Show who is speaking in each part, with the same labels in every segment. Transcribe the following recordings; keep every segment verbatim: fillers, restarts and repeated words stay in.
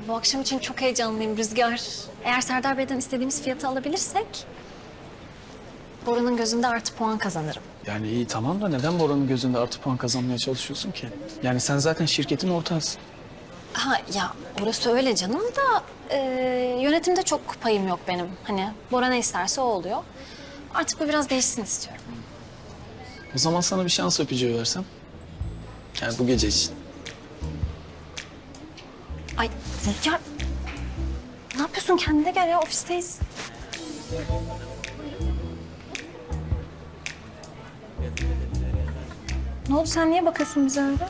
Speaker 1: Bu akşam için çok heyecanlıyım Rüzgar. Eğer Serdar Bey'den istediğimiz fiyatı alabilirsek... Bora'nın gözünde artı puan kazanırım.
Speaker 2: Yani iyi tamam da neden Bora'nın gözünde artı puan kazanmaya çalışıyorsun ki? Yani sen zaten şirketin ortağısın.
Speaker 1: Ha ya orası öyle canım da e, yönetimde çok payım yok benim. Hani Bora ne isterse o oluyor. Artık bu biraz değişsin istiyorum.
Speaker 2: O zaman sana bir şans öpücüğü versem. Yani bu gece için.
Speaker 1: Ay Rüzgar, ne yapıyorsun? Kendine gel ya, ofisteyiz. Ne oldu, sen niye bakıyorsun bize öyle?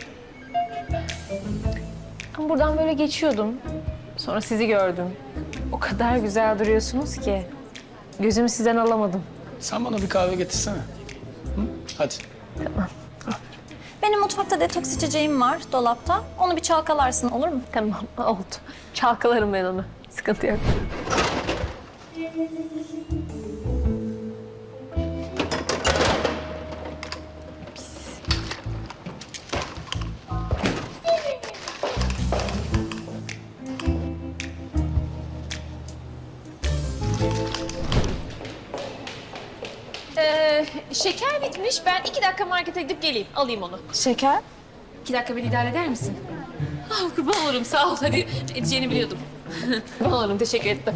Speaker 3: Ben buradan böyle geçiyordum. Sonra sizi gördüm. O kadar güzel duruyorsunuz ki. Gözümü sizden alamadım.
Speaker 2: Sen bana bir kahve getirsene. Hı? Hadi.
Speaker 1: Benim mutfakta detoks içeceğim var dolapta. Onu bir çalkalarsın, olur mu?
Speaker 3: Tamam, oldu. Çalkalarım ben onu. Sıkıntı yok. Ee, şeker bitmiş. Ben iki dakika markete gidip geleyim. Alayım onu.
Speaker 1: Şeker?
Speaker 3: İki dakika beni idare eder misin? Ah, kurban olurum. Sağ ol. Hadi edeceğini biliyordum. Kurban olurum. Teşekkür ettim.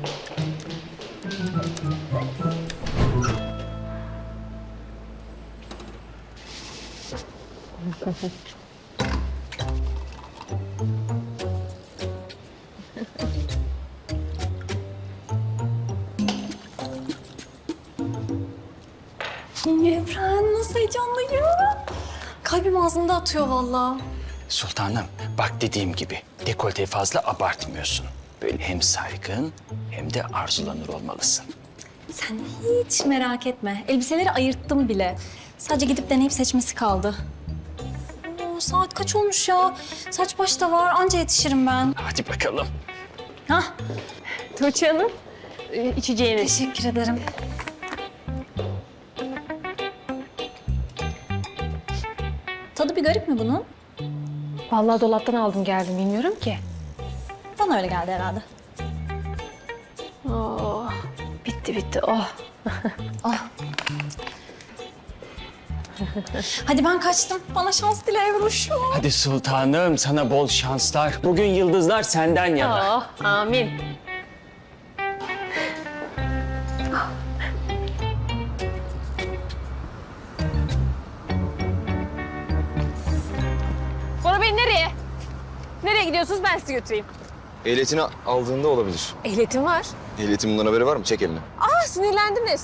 Speaker 1: Evren, nasıl heyecanlıyım. Kalbim ağzımda atıyor vallahi.
Speaker 4: Sultanım, bak dediğim gibi dekolteyi fazla abartmıyorsun. Böyle hem saygın hem de arzulanır olmalısın.
Speaker 1: Sen hiç merak etme. Elbiseleri ayırttım bile. Sadece gidip deneyip seçmesi kaldı. Oo, saat kaç olmuş ya? Saç baş da var. Anca yetişirim ben.
Speaker 4: Hadi bakalım.
Speaker 1: Hah,
Speaker 3: Tuğçe Hanım, e, içeceğiniz.
Speaker 1: teşekkür ederim. Tadı bir garip mi bunun?
Speaker 3: Vallahi dolaptan aldım geldim. Bilmiyorum ki.
Speaker 1: Bana öyle geldi herhalde.
Speaker 3: Oh, bitti bitti. Oh.
Speaker 1: Hadi ben kaçtım. Bana şans dile Evruş.
Speaker 4: Hadi sultanım, sana bol şanslar. Bugün yıldızlar senden yana.
Speaker 3: Oh, amin. Bora Bey nereye? Nereye gidiyorsunuz? Ben sizi götüreyim.
Speaker 5: Ehliyetini aldığında olabilir.
Speaker 3: Ehliyetim var.
Speaker 5: Ehliyetin bundan haberi var mı? Çek elini.
Speaker 3: Aa, sinirlendiniz.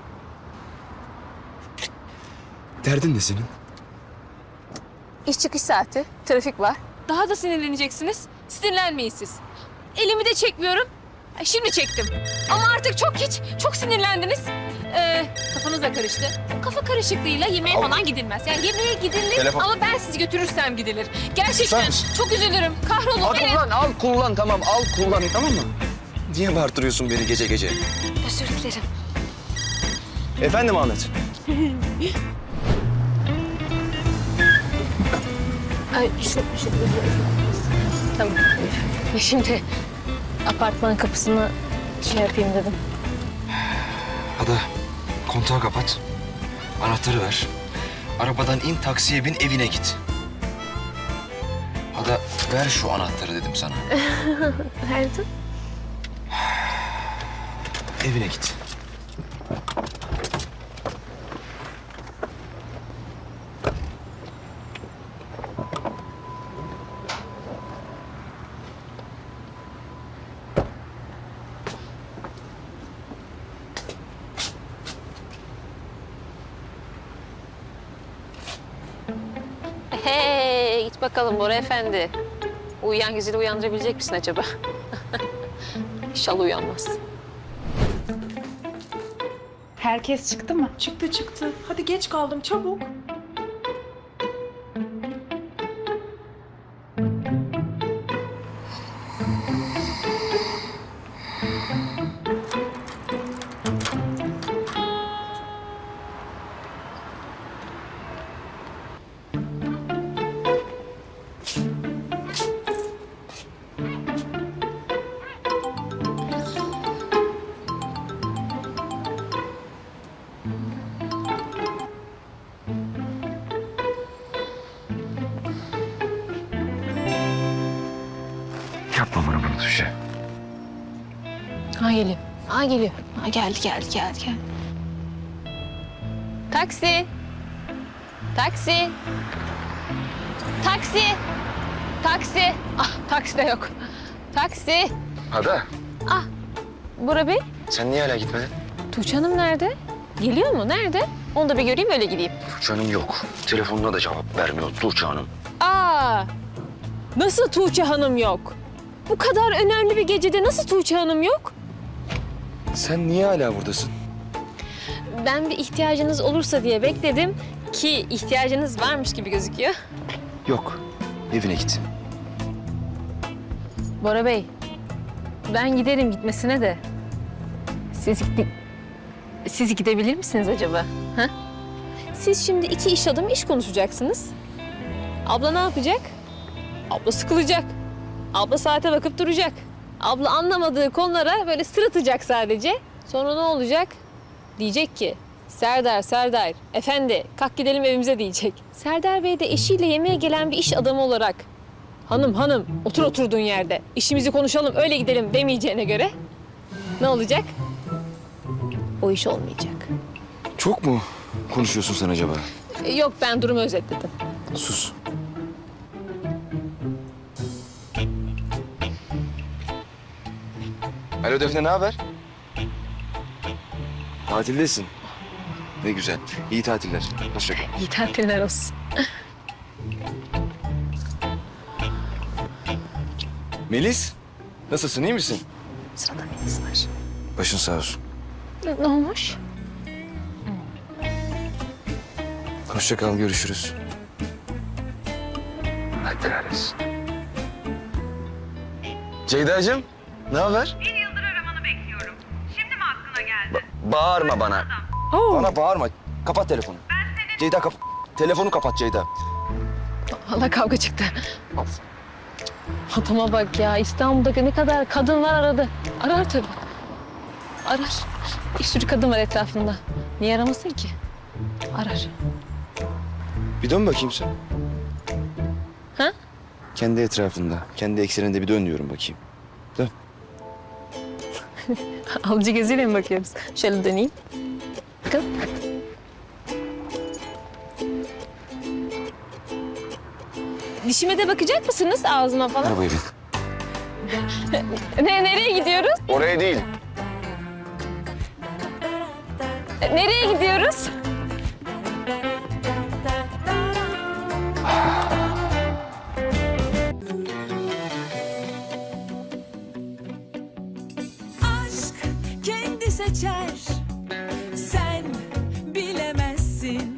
Speaker 5: Derdin ne senin?
Speaker 3: İş çıkış saati, trafik var. Daha da sinirleneceksiniz. Sinirlenmeyin siz. Elimi de çekmiyorum. Ay, şimdi çektim. Ama artık çok hiç, çok sinirlendiniz. Ee, kafanız da karıştı. Kafa karışıklığıyla yemeğe
Speaker 5: Al.
Speaker 3: falan gidilmez. Yani yemeğe gidilir
Speaker 5: Telefon.
Speaker 3: ama ben sizi götürürsem gidilir. Gerçekten
Speaker 5: Susar mısın?
Speaker 3: çok üzülürüm. Kahrolun.
Speaker 5: Al
Speaker 3: Evet.
Speaker 5: kullan, al kullan tamam. Al kullan tamam mı? Niye bağırtırıyorsun beni gece gece?
Speaker 1: Özür dilerim.
Speaker 5: Efendim Ahmet?
Speaker 3: Ay, şu, şu, Tamam. Şimdi apartman kapısını şey yapayım dedim.
Speaker 5: Ada kontağı kapat. Anahtarı ver. Arabadan in, taksiye bin, evine git. Ada ver şu anahtarı dedim sana.
Speaker 3: Verdim.
Speaker 5: Evine git.
Speaker 3: Hey, git bakalım Bora Efendi. Uyuyan güzeli uyandırabilecek misin acaba? İnşallah uyanmaz.
Speaker 6: Herkes çıktı mı? Çıktı çıktı. Hadi geç kaldım çabuk.
Speaker 5: Yapma bana bunu Tuğçe.
Speaker 3: Ha geliyor. Ha geliyor. Ha geldi geldi geldi geldi. Taksi. Taksi. Taksi. Taksi. Ah taksi de yok. Taksi.
Speaker 5: Ada,
Speaker 3: Ah Bora Bey.
Speaker 5: sen niye hala gitmedin?
Speaker 3: Tuğçe Hanım nerede? Geliyor mu? Nerede? Onu da bir göreyim öyle gideyim.
Speaker 5: Tuğçe Hanım yok. Telefonuna da cevap vermiyor Tuğçe Hanım.
Speaker 3: Aa! Nasıl Tuğçe Hanım yok? Bu kadar önemli bir gecede nasıl Tuğçe Hanım yok?
Speaker 5: Sen niye hala buradasın?
Speaker 3: Ben bir ihtiyacınız olursa diye bekledim ki ihtiyacınız varmış gibi gözüküyor.
Speaker 5: Yok. Evine git.
Speaker 3: Bora Bey, ben giderim gitmesine de. Siz, gi- siz gidebilir misiniz acaba? Ha? Siz şimdi iki iş adamı iş konuşacaksınız. Abla ne yapacak? Abla sıkılacak. Abla saate bakıp duracak. Abla anlamadığı konulara böyle sırıtacak sadece. Sonra ne olacak? Diyecek ki, Serdar, Serdar, efendi kalk gidelim evimize diyecek. Serdar Bey de eşiyle yemeğe gelen bir iş adamı olarak hanım hanım otur oturduğun yerde işimizi konuşalım öyle gidelim demeyeceğine göre ne olacak? O iş olmayacak.
Speaker 5: Çok mu konuşuyorsun sen acaba?
Speaker 3: E, Yok ben durumu özetledim.
Speaker 5: Sus. Alo Defne, ne haber? Tatildesin. Ne güzel. İyi tatiller. Hoşça kal.
Speaker 3: İyi tatiller olsun.
Speaker 5: Melis, nasılsın? İyi misin?
Speaker 3: Sırada Melis var.
Speaker 5: Başın sağ olsun.
Speaker 3: Ne, ne olmuş?
Speaker 5: Hoşça kal, görüşürüz. Allah kahretsin. Ceyda'cığım, ne haber?
Speaker 7: Bir yıldır aramanı bekliyorum. Şimdi mi aklına geldi?
Speaker 5: Bağırma bana. Bana bağırma. Kapat telefonu. Ceyda kap... Telefonu kapat Ceyda.
Speaker 3: Valla kavga çıktı. Adama bak ya İstanbul'da ne kadar kadın var aradı. Arar tabii. Arar. Bir sürü kadın var etrafında. Niye aramasın ki? Arar.
Speaker 5: Bir dön bakayım sen.
Speaker 3: Ha?
Speaker 5: Kendi etrafında, kendi ekseninde bir dön diyorum bakayım. Dön.
Speaker 3: Alıcı gözüyle mi bakıyoruz? Şöyle döneyim. Bakın. Dişime de bakacak mısınız ağzıma falan?
Speaker 5: Arabaya bin.
Speaker 3: Ne, nereye gidiyoruz?
Speaker 5: Oraya değil.
Speaker 3: Nereye gidiyoruz?
Speaker 8: Aşk kendi seçer